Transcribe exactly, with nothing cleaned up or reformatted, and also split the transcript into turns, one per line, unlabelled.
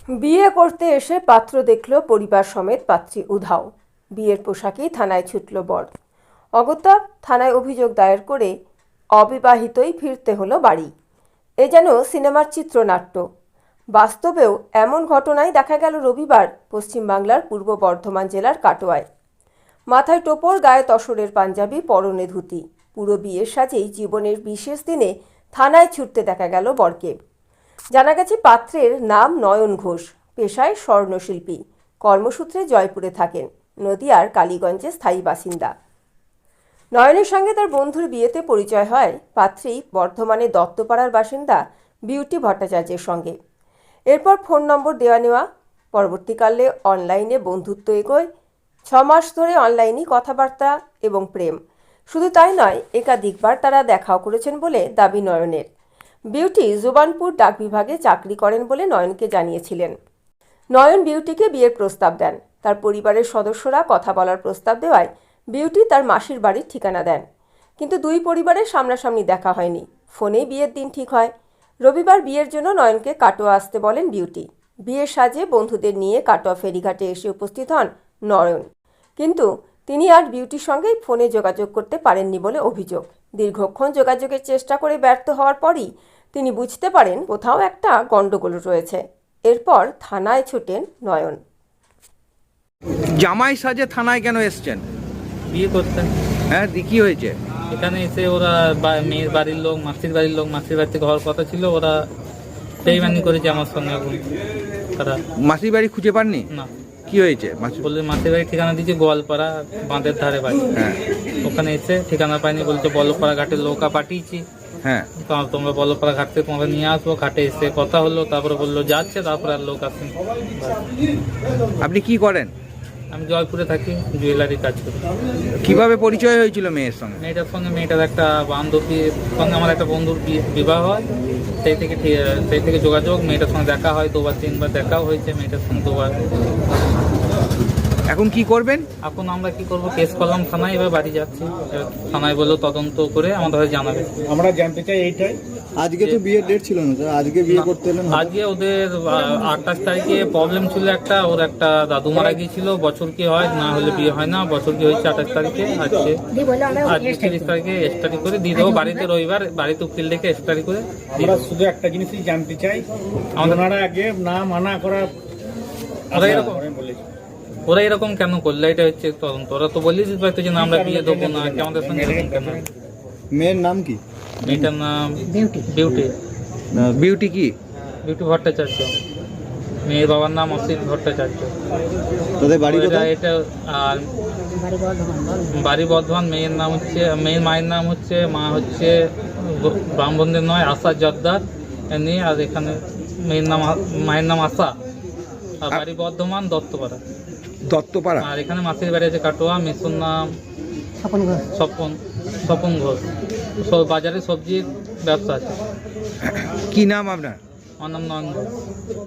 বিয়ে করতে এসে পাত্র দেখল পরিবার সমেত পাত্রী উধাও। বিয়ের পোশাকেই থানায় ছুটল বর। অগত্যা থানায় অভিযোগ দায়ের করে অবিবাহিতই ফিরতে হলো বাড়ি। এ যেন সিনেমার চিত্রনাট্য। বাস্তবেও এমন ঘটনাই দেখা গেল রবিবার পশ্চিমবাংলার পূর্ব বর্ধমান জেলার কাটোয়ায়। মাথায় টোপর, গায়ে তসরের পাঞ্জাবি, পরনে ধুতি। পুরো বিয়ের সাজেই জীবনের বিশেষ দিনে থানায় ছুটতে দেখা গেল বরকে। জানা গেছে পাত্রের নাম নয়ন ঘোষ, পেশায় স্বর্ণশিল্পী, কর্মসূত্রে জয়পুরে থাকেন, নদিয়ার কালীগঞ্জে স্থায়ী বাসিন্দা। নয়নের সঙ্গে তার বন্ধুর বিয়েতে পরিচয় হয় পাত্রী বর্ধমানে দত্তপাড়ার বাসিন্দা বিউটি ভট্টাচার্যের সঙ্গে। এরপর ফোন নম্বর দেওয়া নেওয়া, পরবর্তীকালে অনলাইনে বন্ধুত্ব এগোয়। ছ মাস ধরে অনলাইনেই কথাবার্তা এবং প্রেম। শুধু তাই নয়, একাধিকবার তারা দেখাও করেছেন বলে দাবি নয়নের। বিউটি জুবানপুর ডাক বিভাগে চাকরি করেন বলে নয়নকে জানিয়েছিলেন। নয়ন বিউটিকে বিয়ের প্রস্তাব দেন। তার পরিবারের সদস্যরা কথা বলার প্রস্তাব দেওয়ায় বিউটি তার মাসির বাড়ির ঠিকানা দেন। কিন্তু দুই পরিবারের সামনাসামনি দেখা হয়নি, ফোনেই বিয়ের দিন ঠিক হয়। রবিবার বিয়ের জন্য নয়নকে কাটোয়া আসতে বলেন বিউটি। বিয়ের সাজে বন্ধুদের নিয়ে কাটোয়া ফেরিঘাটে এসে উপস্থিত হন নয়ন, কিন্তু তিনি আর বিউটির সঙ্গে ফোনে যোগাযোগ করতে পারেননি বলে অভিযোগ। দীর্ঘক্ষণ যোগাযোগের চেষ্টা করে ব্যর্থ হওয়ার পরই তিনি বুঝতে পারেন কোথাও একটা গন্ডগোল রয়েছে। এরপর থানায় ছোটেন নয়ন।
জামাই সাজে থানায় কেন এসছেন?
বিয়ে করতেন।
হ্যাঁ, দি কি হয়েছে?
এখানে এসে ওরা বা- মেয়ের বাড়ির লোক, মাসির বাড়ির লোক, মাসির বাড়ি থেকে হওয়ার কথা ছিল, ওরা বেইমানি করেছে আমার সঙ্গে। এখন তারা
মাসির বাড়ি খুঁজে পাননি?
না,
কি হয়েছে? মাসি-
বললে মাসির বাড়ির ঠিকানা দিয়েছে গোয়ালপাড়া, বাঁধের ধারে বাড়ি।
হ্যাঁ
ওখানে এসে ঠিকানা পাইনি, বলছে বলপাড়া ঘাটের নৌকা পাঠিয়েছি,
হ্যাঁ
তো তোমরা বলপাড়া ঘাট থেকে তোমাদের নিয়ে আসবো। ঘাটে এসে কথা হলো, তারপরে বললো যাচ্ছে, তারপরে আর লোক আসেনি।
আপনি কি করেন?
আমি জয়পুরে থাকি, জুয়েলারি কাজ করি।
কিভাবে পরিচয় হয়েছিল মেয়ের সঙ্গে?
মেয়েটার সঙ্গে মেয়েটার একটা বান্ধবীর সঙ্গে আমার একটা বন্ধুর বি- বিবাহ হয়, সেই থেকে ঠি- সেই থেকে যোগাযোগ। মেয়েটার সঙ্গে দেখা হয় দুবার তিনবার, দেখাও হয়েছে মেয়েটার সঙ্গে দুবার।
এখন কি করবেন?
এখন আমরা কি করব, কেস করলাম থানায়, এবার বাড়ি যাচ্ছি। এবার থানায় বললো তদন্ত করে আমাদের জানাবে।
আমরা জানতে চাই এইটাই,
আজকে তো বিয়ের ডেট ছিল না স্যার, আজকে বিয়ে করতে এলেন?
আজকে ওদের আঠাশ তারিখে প্রবলেম ছিল একটা, ওর একটা দাদু মারা গিয়েছিল। বছর কি হয় না হলে বিয়ে হয় না, বছর কি হয়েছে আঠাশ তারিখে। আজকে আজকে তিরিশ তারিখে এক্সট্রি করে দিয়ে দেবো বাড়িতে। রবিবার বাড়িতে উকিল ডেকে এক্সট্রি করে দিয়ে
আমরা
দেবো।
শুধু একটা জিনিসই জানতে চাই,
আমাদের-
ওনারা আগে না মানা করা
ওরা এরকম
বলেছে।
ওরা এরকম কেন করলো, এটা হচ্ছে তদন্ত। ওরা তো বলেই দিতে পারতো যে না আমরা বিয়ে দেবো না, কি আমাদের সঙ্গে এরকম কেন?
মেয়ের নাম কি?
মেয়েটার নাম বিউটি। বিউটি
বিউটি কি?
বিউটি ভট্টাচার্য। মেয়ের বাবার নাম অসিত ভট্টাচার্য।
তোদের বাড়ি
এটা
কোথায়?
এটা আর বাড়ি বর্ধমান। মেয়ের নাম হচ্ছে, মেয়ের মায়ের নাম হচ্ছে, মা হচ্ছে ব্রাহ্মণদের নয়, আশা জর্দার এমনি। আর এখানে মেয়ের নাম, মায়ের নাম আশা। আর বাড়ি বর্ধমান দত্তপাড়া।
দত্তপাড়া।
আর এখানে মাসির বাড়ি আছে কাটোয়া। মেসুর নাম স্বপন ঘোষ। স্বপন স্বপন ঘোষ। সব বাজারে সবজির ব্যবসা আছে।
কি নাম আপনার?
আমার নাম নয়ন ঘোষ।